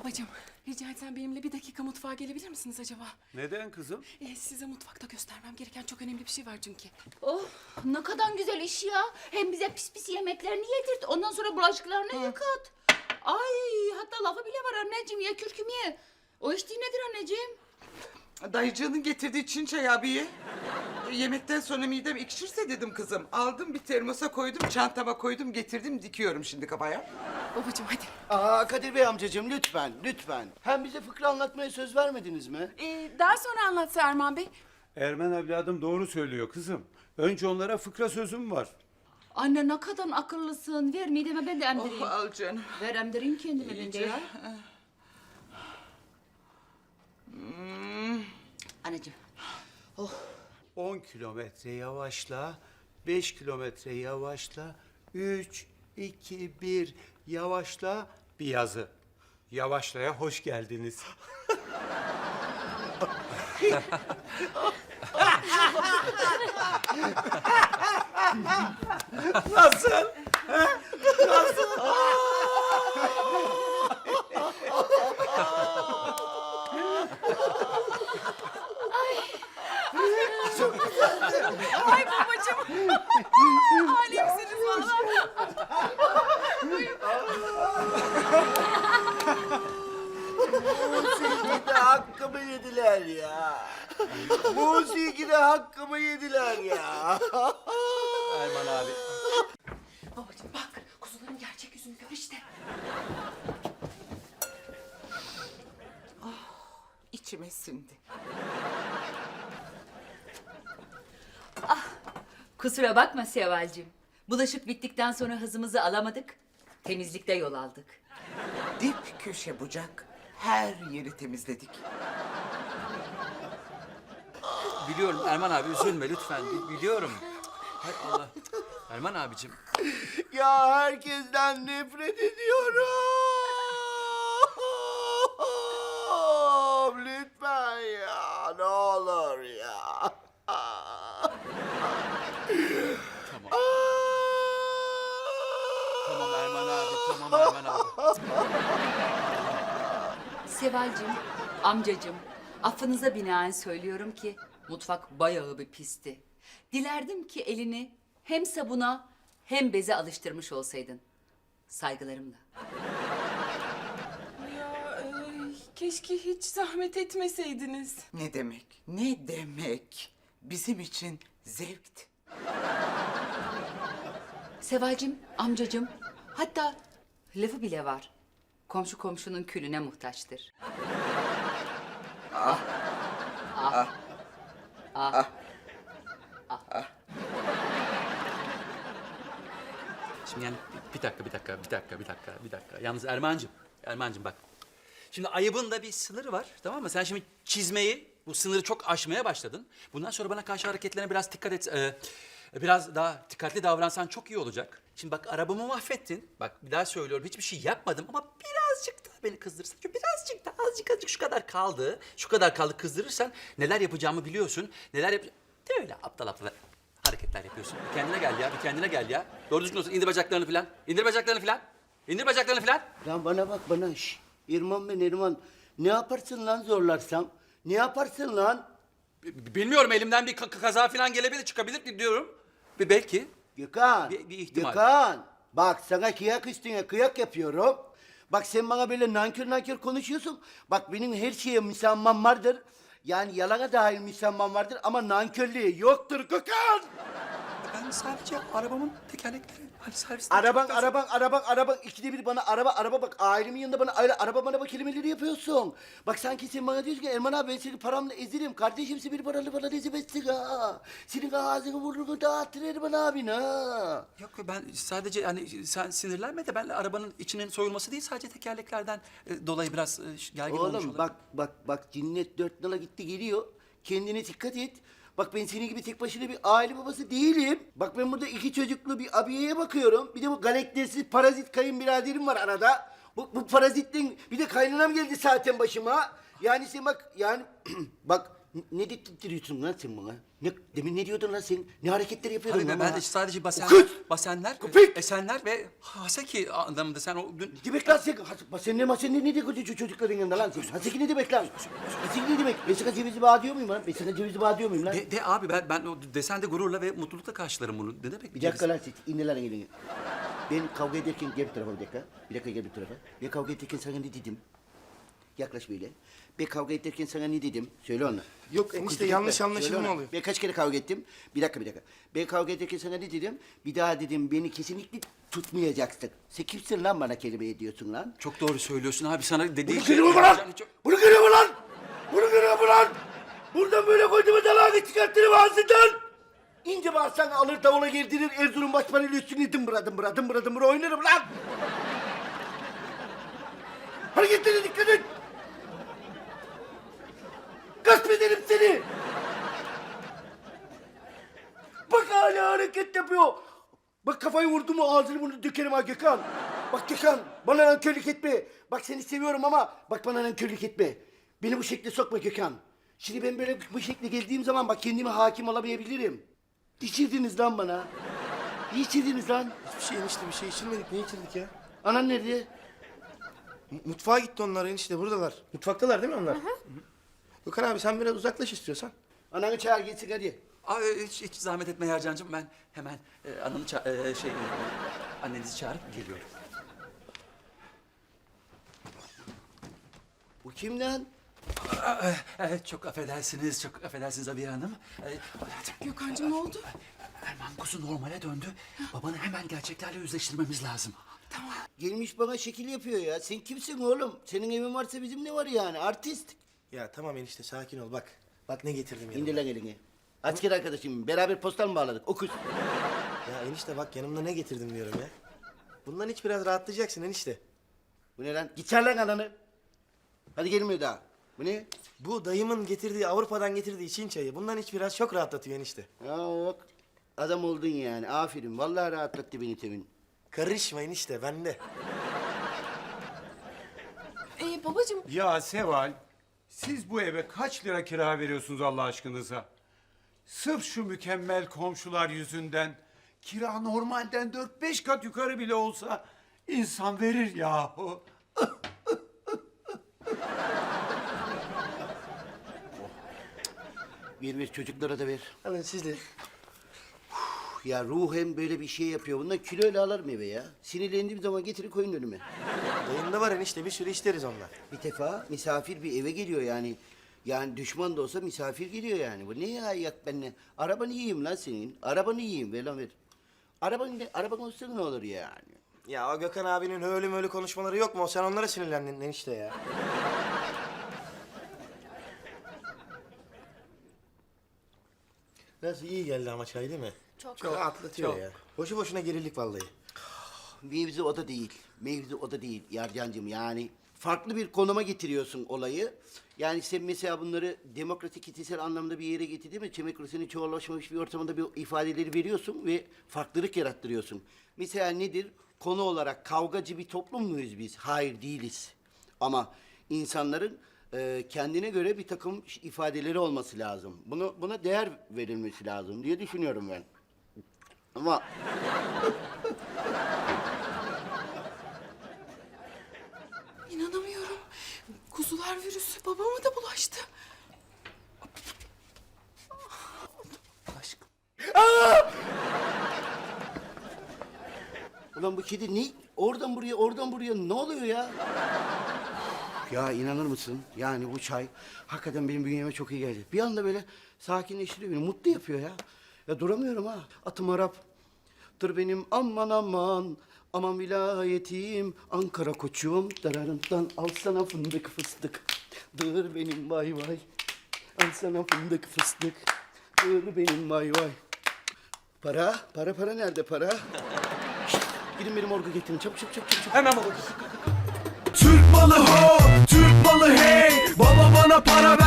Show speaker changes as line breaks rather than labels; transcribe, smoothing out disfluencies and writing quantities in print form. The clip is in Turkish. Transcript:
Babacığım, rica etsem benimle bir dakika mutfağa gelebilir misiniz acaba?
Neden kızım?
Size mutfakta göstermem gereken çok önemli bir şey var çünkü.
Oh, ne kadar güzel iş ya. Hem bize pis pis yemeklerini yedirt. Ondan sonra bulaşıklarını yıkat. Ay, hatta lafı bile var anneciğim. Ye kürküm ye. O iş değil nedir anneciğim?
Dayıcığının getirdiği Çin çayı abiye. Yemekten sonra midem ekşirse dedim kızım. Aldım bir termosa koydum, çantama koydum, getirdim, dikiyorum şimdi kafaya.
Babacığım hadi.
Kadir Bey amcacığım lütfen, lütfen. Hem bize fıkra anlatmaya söz vermediniz mi?
Daha sonra anlatsa Erman Bey.
Ermen evladım doğru söylüyor kızım. Önce onlara fıkra sözüm var.
Anne ne kadar akıllısın. Ver mideme ben de emdireyim.
Oh, al canım.
Ver emdireyim kendime ben de ya. Anneciğim.
10 kilometre yavaşla, 5 kilometre yavaşla, 3, 2, 1 yavaşla bir yazı. Yavaşlaya hoş geldiniz. Nasıl?
Ay babacığım. Alemsiniz valla.
Musikide hakkımı yediler ya. Musikide hakkımı yediler ya.
Erman abi.
Babacığım bak, kuzuların gerçek yüzünü gör işte.
İçime sindi.
Kusura bakma Seval'cim. Bulaşık bittikten sonra hızımızı alamadık. Temizlikte yol aldık.
Dip köşe bucak, her yeri temizledik.
Biliyorum Erman abi üzülme lütfen. Biliyorum. Hay Allah. Erman abicim.
Ya herkesten nefret ediyorum. Lütfen ya, ne olur ya.
Tamam Erman abi. Tamam Erman abi.
Seval'cim, amcacım, affınıza binaen söylüyorum ki mutfak bayağı bir pisti. Dilerdim ki elini hem sabuna hem beze alıştırmış olsaydın. Saygılarımla.
Ya keşke hiç zahmet etmeseydiniz.
Ne demek, ne demek? Bizim için zevkti.
Seval'cim, amcacım, hatta lafı bile var. Komşu komşunun külüne muhtaçtır.
Şimdi yani bir dakika. Yalnız Ermancığım bak. Şimdi ayıbın da bir sınırı var, tamam mı? Sen şimdi çizmeyi, bu sınırı çok aşmaya başladın. Bundan sonra bana karşı hareketlerine biraz dikkat et. Biraz daha dikkatli davransan çok iyi olacak. Şimdi bak arabamı mahvettin. Bak bir daha söylüyorum hiçbir şey yapmadım ama birazcık daha beni kızdırırsan. Birazcık daha azıcık şu kadar kaldı. Şu kadar kaldı kızdırırsan neler yapacağımı biliyorsun. Neler yap... Değil mi öyle aptal hareketler yapıyorsun. Bir kendine gel ya. Doğru düzgün olsun. İndir bacaklarını falan. İndir bacaklarını falan.
Lan bana bak bana şş. İrman ben İrman. Ne yaparsın lan zorlarsam? Ne yaparsın lan?
Bilmiyorum elimden bir kaza falan gelebilir, çıkabilir diyorum. Belki.
Gökhan.
Bir ihtimal.
Gökhan. Bak sana kıyak üstüne kıyak yapıyorum. Bak sen bana böyle nankör konuşuyorsun. Bak benim her şeye müsamman vardır. Yani yalana dahil müsamman vardır ama nankörlüğe yoktur Gökhan.
Ben sadece arabamın tekerlekleri, hani servisten
Araban,
çıktıktan
araba. İkide bir bana araba bak. Ailemin yanında bana araba kelimeleri yapıyorsun. Bak sanki sen bana diyorsun ki Erman abi ben seni paramla ezerim. Kardeşim sen beni paralı falan ezemezsin ha. Senin ağzını burnunu dağıtır Erman abin ha.
Yok ben sadece hani sen sinirlenme de ben arabanın içinin soyulması değil sadece tekerleklerden dolayı biraz gergin olmuş
Oğlum
olabilir.
bak cinnet 4 nala gitti geliyor. Kendine dikkat et. Bak ben senin gibi tek başına bir aile babası değilim. Bak ben burada 2 çocuklu bir abiyeye bakıyorum. Bir de bu galaktersiz parazit kayınbiraderim var arada. Bu parazitten bir de kaynanam geldi zaten başıma. Yani sen bak yani bak Ne diyorsun lan sen bana? Demin ne diyordun lan sen? Ne hareketler yapıyordun
Abi
lan
ben
bana?
de sadece
Kız!
basenler,
Köpek!
esenler ve haseki anlamında sen o dün...
Ne demek lan sen? Basenler ne diyor çocukların yanında lan sen? Haseki ne demek lan? Haseki ne demek? Ben sana cevizi bağ diyor muyum lan? Ben sana cevizi bağ diyor muyum lan?
De abi ben o desende gururla ve mutlulukla karşılarım bunu. Ne demek?
Bir dakika lan siz, indir lan elini. Ben kavga ederken, gel bir tarafa bir dakika. Bir dakika gel bir tarafa. Ben kavga ederken sana ne dedim? Yaklaş böyle. Ben kavga ederken sana ne dedim? Söyle ona.
Yok enişte, yanlış anlaşılma
Söyle ona.
oluyor.
Ben kaç kere kavga ettim? Bir dakika. Ben kavga ederken sana ne dedim? Bir daha dedim beni kesinlikle tutmayacaksın. Sen kimsin lan bana kelime ediyorsun lan?
Çok doğru söylüyorsun abi, sana dediği
Bunu görüyor mu lan?
Çok-
Bunu görüyor mu lan? Bunu görüyor mu lan? Buradan böyle koyduğumu dalağını çıkarttırım ağzından. İnce bağırsan alır davula girdirir Erzurum başpaneli üstüne dımbıra oynarım lan. Hareketlere dikkat et. Gasp ederim seni. Bak hala hareket yapıyor. Bak kafayı vurdu mu ağzını bunu dökerim ha Gökhan. Bak Gökhan bana nankörlük etme. Bak seni seviyorum ama bak bana nankörlük etme. Beni bu şekle sokma Gökhan. Şimdi ben böyle bu şekle geldiğim zaman bak kendime hakim olamayabilirim. İçirdiniz lan bana. İyi içirdiniz lan.
Hiçbir şey enişte, bir şey içirmedik. Ne içirdik ya?
Anan nerede?
Mutfağa gitti onlar enişte, buradalar. Mutfaktalar değil mi onlar? Gökhan abi sen biraz uzaklaş istiyorsan.
Ananı çağır gitsin hadi.
Abi hiç zahmet etme Yarcancığım, ben hemen annenizi çağırıp geliyorum.
Bu kim lan?
Evet, çok affedersiniz Abiye Hanım.
Gökhan'cığım ne oldu?
Erman kuzu normale döndü. Babanı hemen gerçeklerle yüzleştirmemiz lazım.
Gelmiş bana şekil yapıyor ya. Sen kimsin oğlum? Senin evin varsa bizim ne var yani? Artist.
Ya tamam enişte, sakin ol bak. Bak ne getirdim yanımda.
İndir lan elini. Asker arkadaşım. Beraber postal mı bağladık? Okuz.
Ya enişte bak, yanımda ne getirdim diyorum ya. Bundan hiç biraz rahatlayacaksın enişte.
Bu ne lan? Git çağır lan ananı. Hadi gelmiyor daha. Bu ne?
Bu dayımın getirdiği, Avrupa'dan getirdiği Çin çayı. Bundan hiç biraz çok rahatlatıyor enişte.
Ya bak. Adam oldun yani. Aferin. Vallahi rahatlattı beni temin.
Karışma enişte, bende.
Babacığım
Ya Seval, siz bu eve kaç lira kira veriyorsunuz Allah aşkınıza? Sırf şu mükemmel komşular yüzünden kira normalden 4-5 kat yukarı bile olsa insan verir yahu.
Ver çocuklara da ver.
Alın siz de.
Ya ruhen böyle bir şey yapıyor. Bundan kiloyla alırım eve ya. Sinirlendiğim zaman getirin koyun önüme.
Dayımda var enişte, bir sürü isteriz ondan.
Bir defa misafir bir eve geliyor yani. Yani düşman da olsa misafir geliyor yani. Bu ne ya yak benimle? Arabanı yiyeyim lan senin. Arabanı yiyeyim ver lan ver. Araban olsa ne olur yani?
Ya o Gökhan abinin öyle böyle konuşmaları yok mu? Sen onlara sinirlendin enişte ya. Nasıl iyi geldi ama çay değil mi? Çok rahatlatıyor
çok.
ya. Boşu boşuna gerildik vallahi.
Mevzu o da değil. Mevzu o da değil Yarcancığım yani. Farklı bir konuma getiriyorsun olayı. Yani sen mesela bunları demokratik kitlesel anlamda bir yere getirdin mi? Demokrasinin çoğallaşmamış bir ortamında bir ifadeleri veriyorsun ve farklılık yarattırıyorsun. Mesela nedir? Konu olarak kavgacı bir toplum muyuz biz? Hayır değiliz. Ama insanların kendine göre bir takım ifadeleri olması lazım. Buna değer verilmesi lazım diye düşünüyorum ben. Ama
inanamıyorum. Kuzular virüsü babama da bulaştı.
Aşkım.
ulan bu kedi ne? Oradan buraya ne oluyor ya? Ya inanır mısın? Yani bu çay hakikaten benim bünyeme çok iyi geldi. Bir anda böyle sakinleştiriyor beni, mutlu yapıyor ya. Ya duramıyorum ha. Atım Arap. Dur benim aman aman. Aman vilayetim. Ankara koçum. Dararından al sana fındık fıstık. Dır benim vay vay. Al sana fındık fıstık. Dır benim vay vay. Para nerede para? Şişt, gidin benim orgu getirin. Çabuk.
Hemen baba.
Türk malı ho, Türk malı hey. Baba bana para ver.